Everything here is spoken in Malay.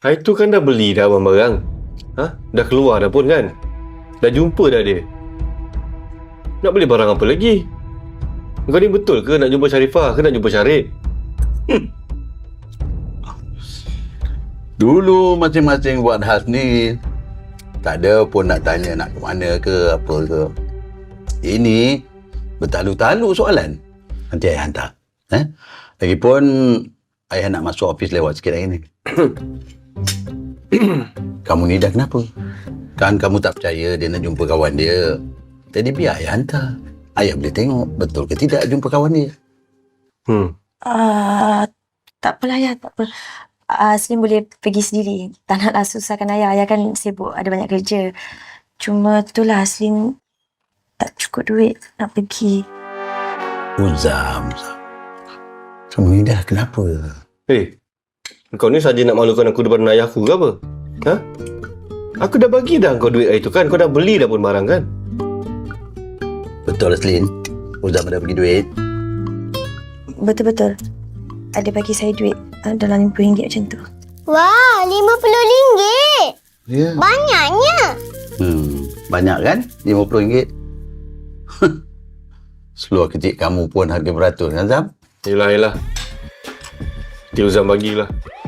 Hari tu kan dah beli dah barang-barang. Dah keluar dah pun kan? Dah jumpa dah dia. Nak beli barang apa lagi? Kau ni betul ke nak jumpa Sharifah ke nak jumpa Syarif? Dulu masing-masing buat hal ni. Tak ada pun nak tanya nak ke mana ke apa ke. Ini bertalu-talu soalan. Nanti ayah hantar. Lagipun ayah nak masuk office lewat sikit hari ni. Kamu ni dah kenapa? Kan kamu tak percaya dia nak jumpa kawan dia. Jadi biar ayah hantar. Ayah boleh tengok betul ke tidak jumpa kawan dia. Tak apalah ayah, tak apa. Aslim boleh pergi sendiri. Tak naklah susahkan ayah. Ayah kan sibuk, ada banyak kerja. Cuma itulah Aslim tak cukup duit nak pergi. Uzam. Kamu ni dah kenapa? Kau ni saja nak malukan aku depan ayah aku ke apa? Aku dah bagi dah kau duit hari tu kan? Kau dah beli dah pun barang kan? Betul Aslin. Uzam dah bagi duit. Betul-betul. Ada bagi saya duit dalam RM50 macam tu. Wah, RM50. Ya. Banyaknya. Banyak kan? RM50. Seluar kecil kamu pun harga beratus kan Zam? Yelah. Dia Uzam bagilah.